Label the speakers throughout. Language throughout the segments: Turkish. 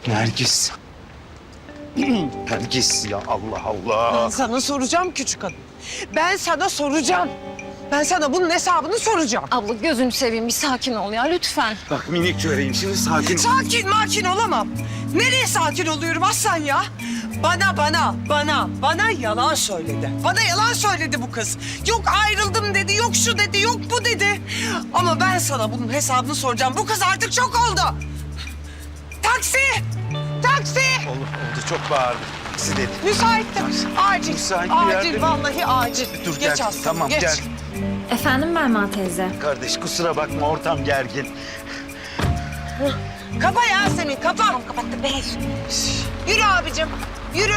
Speaker 1: Nergis. Nergis ya Allah Allah.
Speaker 2: Ben sana soracağım küçük hanım. Ben sana soracağım. Ben sana bunun hesabını soracağım.
Speaker 3: Abla gözünü seveyim bir sakin ol ya lütfen.
Speaker 1: Bak minik çöreğim şimdi sakin ol.
Speaker 2: Sakin olamam. Nereye sakin oluyorum Aslan ya? Bana yalan söyledi. Bana yalan söyledi bu kız. Yok ayrıldım dedi, yok şu dedi, yok bu dedi. Ama ben sana bunun hesabını soracağım. Bu kız artık çok oldu. Taksi! Taksi!
Speaker 1: Oldu çok bağırdı. Taksi dedi.
Speaker 2: Müsaittim. Acil.
Speaker 1: Müsait bir yerde
Speaker 2: Acil
Speaker 1: mi?
Speaker 2: vallahi acil.
Speaker 1: Dur
Speaker 2: Geç
Speaker 1: gel.
Speaker 2: Aslı,
Speaker 1: Tamam
Speaker 2: geç.
Speaker 1: gel.
Speaker 3: Efendim Belma teyze.
Speaker 1: Kardeş kusura bakma ortam gergin.
Speaker 2: Kapa Yasemin, kapa. Kapattım be. Yürü abicim, yürü.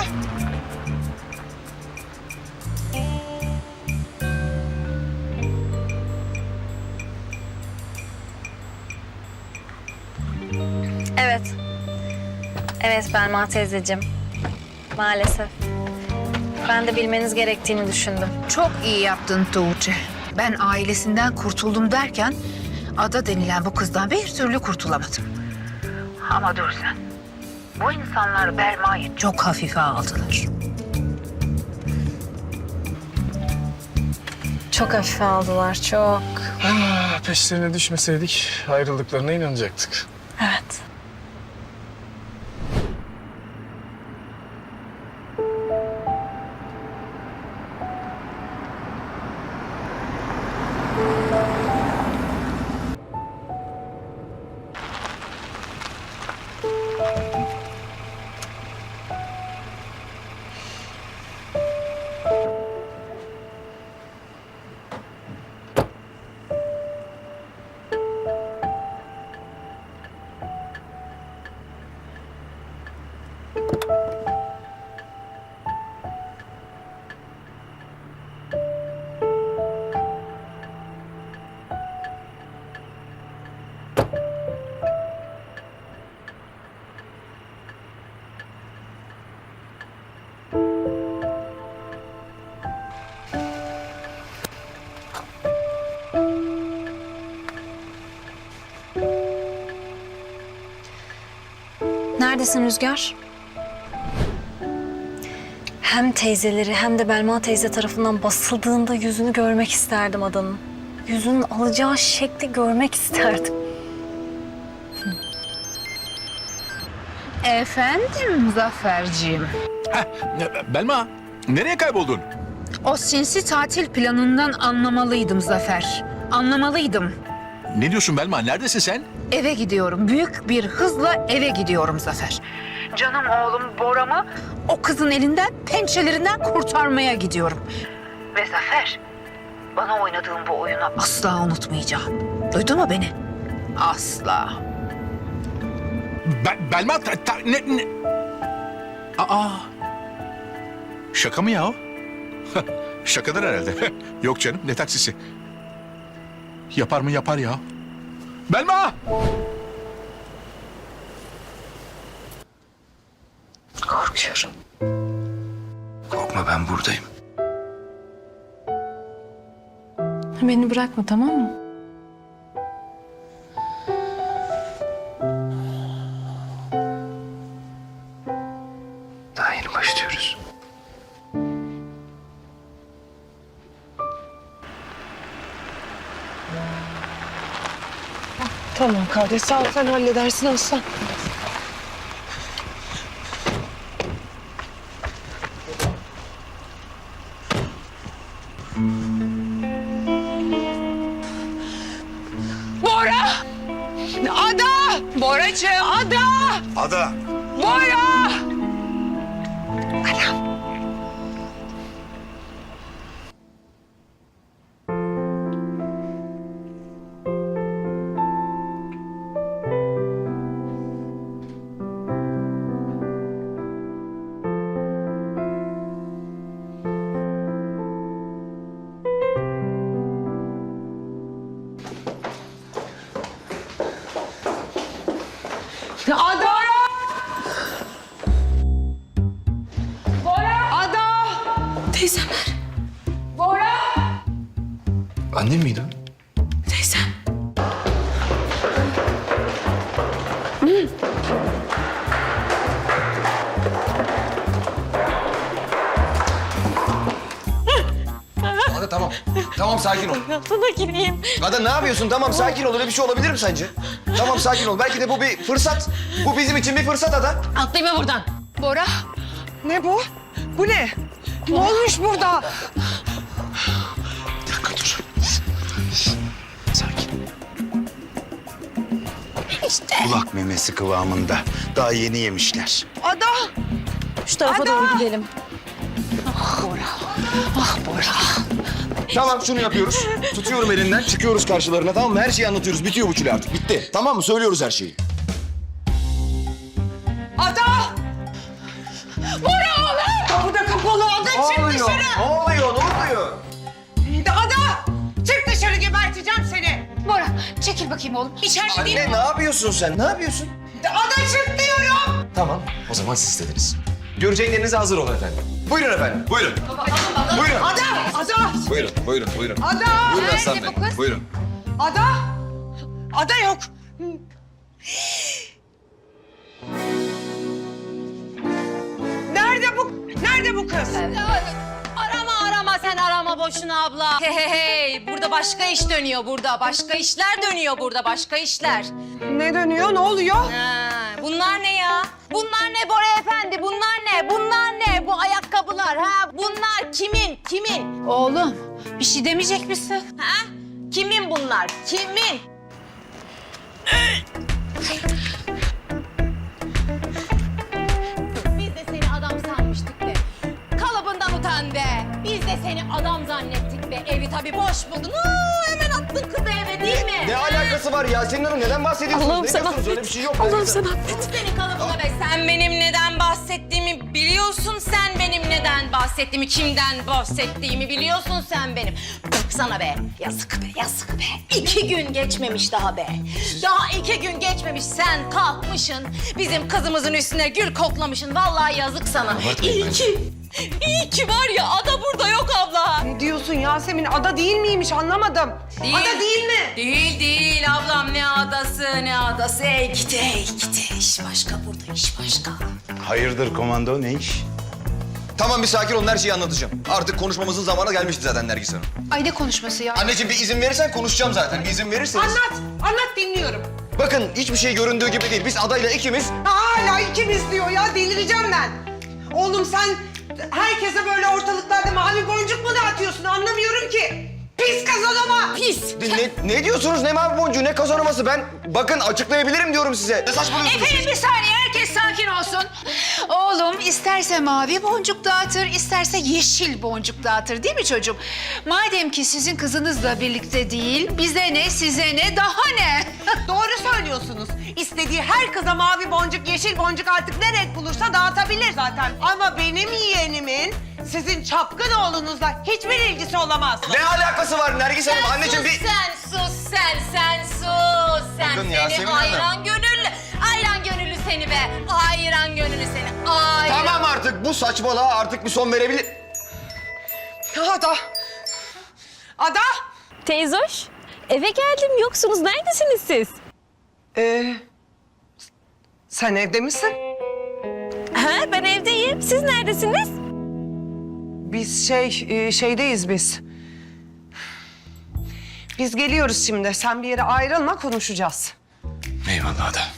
Speaker 3: Evet. Evet Belma teyzeciğim. Maalesef. Ben de bilmeniz gerektiğini düşündüm.
Speaker 4: Çok iyi yaptın Tuğçe. Ben ailesinden kurtuldum derken Ada denilen bu kızdan bir türlü kurtulamadım. Ama dur sen. Bu insanlar Belma'yı çok hafife aldılar.
Speaker 3: Çok hafife aldılar, çok.
Speaker 5: Peşlerine düşmeseydik ayrıldıklarına inanacaktık.
Speaker 3: Evet. Neredesin Rüzgar? Hem teyzeleri hem de Belma teyze tarafından basıldığında yüzünü görmek isterdim Adan'ın. Yüzünün alacağı şekli görmek isterdim.
Speaker 4: Efendim Muzafferciğim.
Speaker 6: Belma, nereye kayboldun?
Speaker 4: O sinsi tatil planından anlamalıydım Zafer. Anlamalıydım.
Speaker 6: Ne diyorsun Belma? Neredesin sen?
Speaker 4: Eve gidiyorum. Büyük bir hızla eve gidiyorum Zafer. Canım oğlum Bora'mı o kızın elinden, pençelerinden kurtarmaya gidiyorum. Ve Zafer, bana oynadığın bu oyunu asla unutmayacağım. Duydun mu beni? Asla.
Speaker 6: Belma, ne? Aa, şaka mı ya o? Şakadır herhalde. Yok canım, ne taksisi? Yapar mı yapar ya. Belma!
Speaker 2: Korkuyorum.
Speaker 1: Korkma ben buradayım.
Speaker 3: Beni bırakma tamam mı?
Speaker 1: Daha yeni başlıyoruz.
Speaker 2: Tamam kardeş, sağ ol, sen halledersin Aslan. Bora! Ada! Boracığım! Ada!
Speaker 1: Ada.
Speaker 2: Bora! Ada! Bora! Ada! Teyzemler. Bora!
Speaker 1: Annem miydi o?
Speaker 2: Teyzem.
Speaker 7: Tamam sakin ol.
Speaker 3: Hayatına gireyim.
Speaker 7: Ada ne yapıyorsun? Tamam sakin ol. Öyle bir şey olabilir mi sence? Tamam sakin ol. Belki de bu bir fırsat. Bu bizim için bir fırsat Ada.
Speaker 3: Atlayayım buradan.
Speaker 4: Bora,
Speaker 2: Ne bu? Bu ne? Ne olmuş burada?
Speaker 1: Bir dakika dur. Sakin. Kulak memesi kıvamında. Daha yeni yemişler.
Speaker 2: Ada!
Speaker 3: Şu tarafa doğru gidelim.
Speaker 7: Tamam şunu yapıyoruz. Tutuyorum elinden. Çıkıyoruz karşılarına tamam mı? Her şeyi anlatıyoruz. Bitiyor bu çile artık. Bitti. Tamam mı? Söylüyoruz her şeyi.
Speaker 2: Ada! Bora oğlum! Kapı da kapalı. Ada çık dışarı.
Speaker 7: Ne oluyor? Ne oluyor?
Speaker 2: Ada! Çık dışarı geberteceğim seni.
Speaker 4: Bora çekil bakayım oğlum. İçeride değil
Speaker 7: Anne
Speaker 4: mi?
Speaker 7: ne yapıyorsun sen? Ne yapıyorsun?
Speaker 2: Ada çık diyorum.
Speaker 7: Tamam. O zaman siz istediniz. Göreceklerinize hazır olun efendim. Buyurun efendim. Buyurun. Buyurun.
Speaker 2: Ada! Ada!
Speaker 7: Buyurun. Buyurun. Buyurun.
Speaker 2: Ada!
Speaker 7: Buyurun Aslan Bey.
Speaker 4: bu kız?
Speaker 7: Buyurun.
Speaker 2: Ada! Ada yok. Nerede bu? Nerede bu kız?
Speaker 3: Arama sen arama boşuna abla. Hey burada başka iş dönüyor burada. Başka işler dönüyor burada başka işler.
Speaker 2: Ne dönüyor? Ne oluyor?
Speaker 3: Ha, bunlar ne ya? Bunlar ne Bora Efendi? Bunlar ne? Bunlar ne? Bu ayakkabılar ha? Bunlar kimin? Kimin?
Speaker 4: Oğlum bir şey demeyecek misin?
Speaker 3: Ha? Kimin bunlar? Kimin? Biz de seni adam sanmıştık be. Kalıbından utan be. Biz de seni adam zannettik be. Evi tabii boş buldun. Hemen attın kızı eve değil mi?
Speaker 7: Ne alakası var Yasemin Hanım? Neden bahsediyorsunuz?
Speaker 3: Allah'ım
Speaker 7: ne
Speaker 3: sen
Speaker 7: diyorsunuz? Öyle
Speaker 3: affet.
Speaker 7: bir şey yok.
Speaker 3: Allah'ım sen affet. Senin kalıbına be. Sen benim neden bahsettiğimi biliyorsun. Sen benim neden bahsettiğimi, kimden bahsettiğimi biliyorsun sen benim. Sana be. Yazık be, yazık be. 2 gün geçmemiş daha be. Daha 2 gün geçmemiş. Sen kalkmışsın. Bizim kızımızın üstüne gül koklamışsın. Vallahi yazık sana. İyi ki. İyi ki var ya ada burada yok abla.
Speaker 2: Ne diyorsun Yasemin? Ada değil miymiş? Anlamadım.
Speaker 3: Değil.
Speaker 2: Ada değil mi?
Speaker 3: Değil ablam ne adası ne adası. Ey gidi iş başka burada iş başka.
Speaker 1: Hayırdır komando, ne iş?
Speaker 7: Tamam bir sakin olun her şeyi anlatacağım. Artık konuşmamızın zamanı gelmişti zaten Nergis Hanım.
Speaker 4: Ay ne konuşması ya?
Speaker 7: Anneciğim bir izin verirsen konuşacağım zaten. Bir izin verirseniz.
Speaker 2: Anlat. Anlat dinliyorum.
Speaker 7: Bakın hiçbir şey göründüğü gibi değil. Biz adayla ikimiz...
Speaker 2: Hala ikimiz diyor ya. Delireceğim ben. Oğlum sen herkese böyle ortalıklarda mavi boncuk mu dağıtıyorsun? Anlamıyorum ki. Pis kazanama.
Speaker 3: Pis.
Speaker 7: Ne diyorsunuz? Ne mavi boncuğu, ne kazanması? Ben bakın açıklayabilirim diyorum size. Ne saçmalıyorsunuz?
Speaker 4: Efendim bir saniye herkes sakin olsun. Oğlum isterse mavi boncuk dağıtır, isterse yeşil boncuk dağıtır değil mi çocuğum? Madem ki sizin kızınızla birlikte değil, bize ne size ne daha ne?
Speaker 2: Doğru söylüyorsunuz. İstediği her kıza mavi boncuk, yeşil boncuk artık ne renk bulursa dağıtabilir zaten. Ama benim yeğenimin sizin çapkın oğlunuzla hiçbir ilgisi olamaz.
Speaker 7: Ne alakası var Nergis Hanım? Anneciğim bir...
Speaker 3: Sen sus. Sen
Speaker 7: Bakın
Speaker 3: seni
Speaker 7: Yasemin Hanım.
Speaker 3: ayran gönüllü seni be. Ayran gönüllü seni. Ayran.
Speaker 7: Tamam artık bu saçmalığa artık bir son verebilir...
Speaker 2: Ada. Ada.
Speaker 8: Teyzoş, eve geldim. Yoksunuz. Neredesiniz siz?
Speaker 2: Sen evde misin?
Speaker 8: Ha, ben evdeyim. Siz neredesiniz?
Speaker 2: Biz şeydeyiz biz. Biz geliyoruz şimdi. Sen bir yere ayrılma, konuşacağız.
Speaker 1: Eyvallah Ada.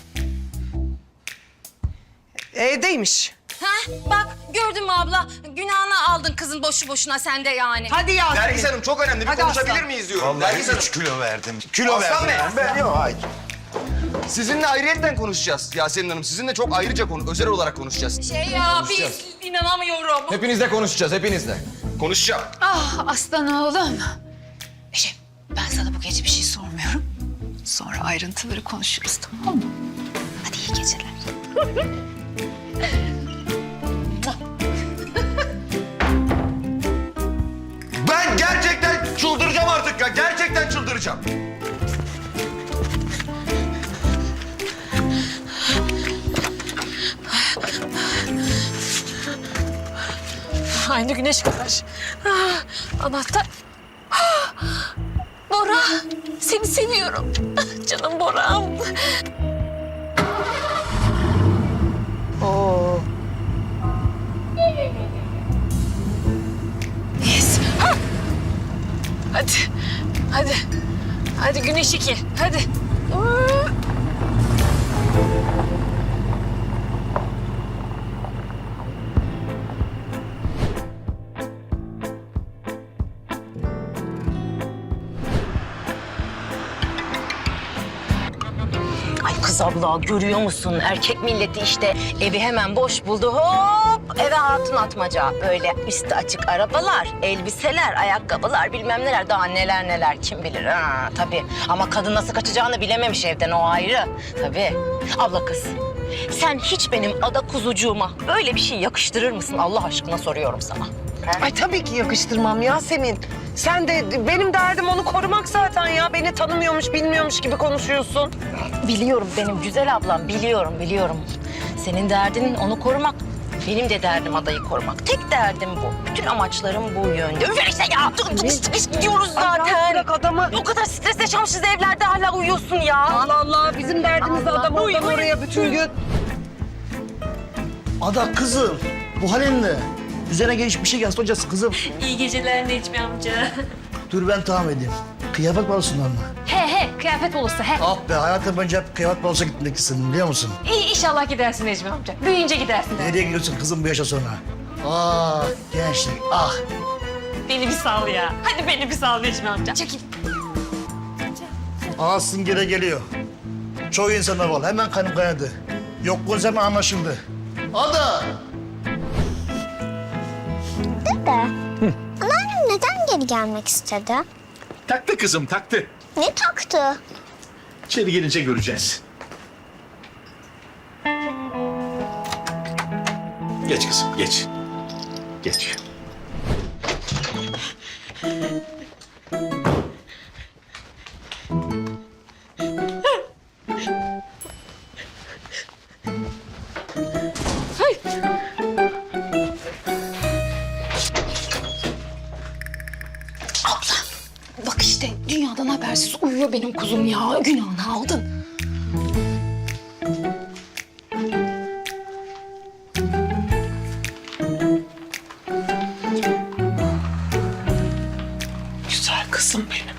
Speaker 2: Evdeymiş.
Speaker 3: Ha, bak gördün mü abla? Günahını aldın kızın boşu boşuna sen de yani.
Speaker 2: Hadi Yasemin.
Speaker 7: Nergis Hanım çok önemli. Bir
Speaker 2: Hadi
Speaker 7: konuşabilir
Speaker 2: aslan.
Speaker 7: miyiz diyorum. Nergis Hanım.
Speaker 1: 3 kilo verdim.
Speaker 7: Aslan Bey.
Speaker 1: Ben yok hayır.
Speaker 7: Sizinle ayrıyetten konuşacağız Yasemin Hanım. Sizinle çok ayrıca özel olarak konuşacağız.
Speaker 3: Biz inanamıyorum.
Speaker 7: Hepinizle konuşacağız, hepinizle. Konuşacağım.
Speaker 4: Ah aslan oğlum. Eşim ben sana bu gece bir şey sormuyorum. Sonra ayrıntıları konuşuruz tamam mı? Hadi iyi geceler.
Speaker 7: Ben gerçekten çıldıracağım artık ya. Gerçekten çıldıracağım.
Speaker 8: Aynı güneş kadar. Anahtar. Bora, seni seviyorum. Canım Bora'm. Yes. Hadi. 5-2. Hadi.
Speaker 3: Ay kız abla görüyor musun? Erkek milleti işte evi hemen boş buldu. Hop eve hatun atmaca. Böyle üstü açık arabalar, elbiseler, ayakkabılar bilmem neler. Daha neler neler kim bilir ha tabii. Ama kadın nasıl kaçacağını bilememiş evden o ayrı. Tabii. Abla kız sen hiç benim ada kuzucuğuma böyle bir şey yakıştırır mısın? Allah aşkına soruyorum sana.
Speaker 2: Ay tabii ki yakıştırmam Yasemin. Sen de benim derdim onu korumak zaten ya. Beni tanımıyormuş, bilmiyormuş gibi konuşuyorsun.
Speaker 3: Biliyorum benim güzel ablam, biliyorum. Senin derdin onu korumak, benim de derdim adayı korumak. Tek derdim bu. Bütün amaçlarım bu yönde. Üfeyse ya! Biz gidiyoruz zaten.
Speaker 2: Bırak adamı.
Speaker 3: O kadar stres yaşamışız evlerde hala uyuyorsun ya.
Speaker 2: Allah Allah, bizim derdimiz de adam oradan oraya bütün gün.
Speaker 9: Ada kızım, bu halin ne? Üzerine geniş bir şey gelsin hocası kızım.
Speaker 8: İyi geceler Necmi amca.
Speaker 9: Dur ben tahmin edeyim. Kıyafet balosundan mı?
Speaker 8: He kıyafet olursa he.
Speaker 9: Ah be hayatım boyunca hep kıyafet balosuna gitmek istedim biliyor musun?
Speaker 8: İyi inşallah gidersin Necmi amca. Büyüyünce gidersin.
Speaker 9: Nereye gidiyorsun kızım bu yaşa sonra? Ah gençlik ah.
Speaker 8: Beni bir sal ya. Hadi beni bir sal Necmi amca. Çekil.
Speaker 9: Ağzın gele geliyor. Çoğu insana var hemen kanım kaynadı. Yokluğun hemen anlaşıldı. Ada!
Speaker 10: Dede, anneannem neden geri gelmek istedi?
Speaker 6: Taktı kızım taktı.
Speaker 10: Ne taktı?
Speaker 6: İçeri gelince göreceğiz. Geç kızım geç. Geç.
Speaker 4: Bak işte dünyadan habersiz uyuyor benim kuzum ya. Günahını aldın.
Speaker 2: Güzel kızım benim.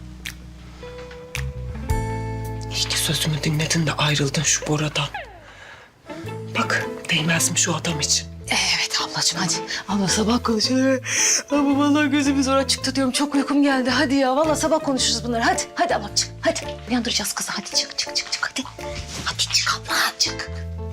Speaker 2: İyi ki sözümü dinledin de ayrıldın şu Bora'dan. Bak değmezmiş o adam için.
Speaker 4: Evet ablacığım hadi. Abla sabah konuşuruz. Ama vallahi gözümü zor açık tutuyorum. Çok uykum geldi. Hadi ya vallahi sabah konuşuruz bunları. Hadi ablam çık. Hadi. Uyandıracağız kızı. Hadi çık hadi. Hadi çık abla çık.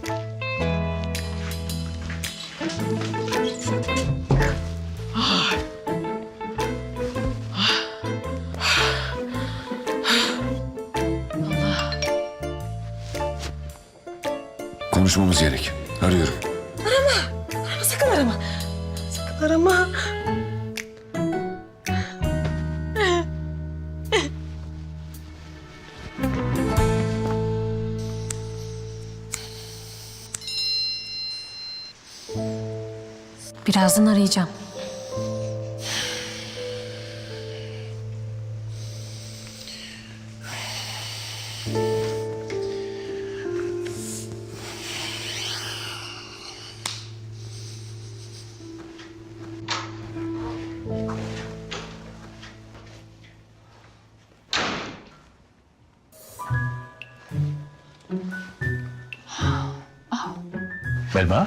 Speaker 11: Konuşmamız gerek. Arıyorum.
Speaker 8: Sakın arama.
Speaker 2: Arama.
Speaker 8: Birazdan arayacağım.
Speaker 6: Belma.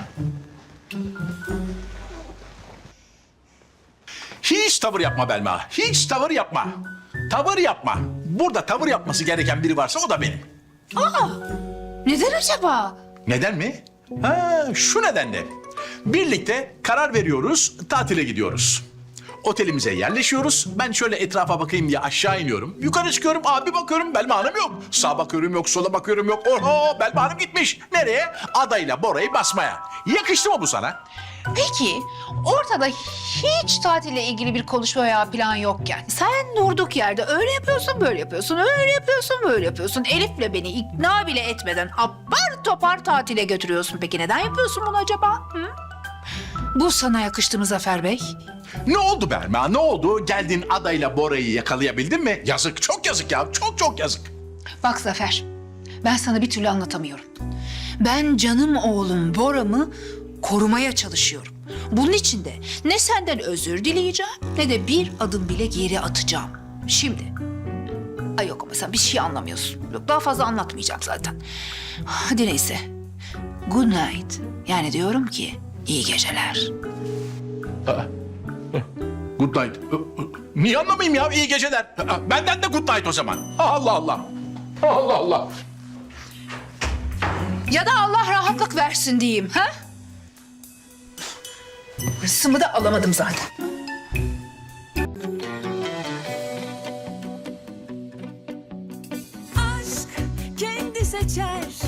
Speaker 6: Hiç tavır yapma Belma. Hiç tavır yapma. Tavır yapma. Burada tavır yapması gereken biri varsa o da benim.
Speaker 4: Neden acaba?
Speaker 6: Neden mi? Ha, şu nedenle. Birlikte karar veriyoruz, tatile gidiyoruz. Otelimize yerleşiyoruz. Ben şöyle etrafa bakayım diye aşağı iniyorum. Yukarı çıkıyorum, abi bakıyorum Belma Hanım yok. Sağa bakıyorum yok, sola bakıyorum yok. Oho, Belma Hanım gitmiş. Nereye? Adayla Bora'yı basmaya. Yakıştı mı bu sana?
Speaker 4: Peki ortada hiç tatille ilgili bir konuşma veya plan yokken sen durduk yerde öyle yapıyorsun böyle yapıyorsun öyle yapıyorsun böyle yapıyorsun Elif'le beni ikna bile etmeden apar topar tatile götürüyorsun. Peki neden yapıyorsun bunu acaba? Hı? Bu sana yakıştı mı Zafer Bey?
Speaker 6: Ne oldu Belma? Ne oldu? Geldin adayla Bora'yı yakalayabildin mi? Yazık, çok yazık ya. Çok çok yazık.
Speaker 4: Bak Zafer, ben sana bir türlü anlatamıyorum. Ben canım oğlum Bora'mı korumaya çalışıyorum. Bunun için de ne senden özür dileyeceğim ne de bir adım bile geri atacağım. Şimdi Ay yok ama sen bir şey anlamıyorsun. Yok daha fazla anlatmayacağım zaten. Hadi neyse. Good night. Yani diyorum ki iyi geceler.
Speaker 6: Good night. Niye anlamayayım ya? İyi geceler. Benden de good night o zaman. Allah Allah. Allah Allah.
Speaker 4: Ya da Allah rahatlık versin diyeyim ha? Hırsımı da alamadım zaten.
Speaker 3: Aşk kendi seçer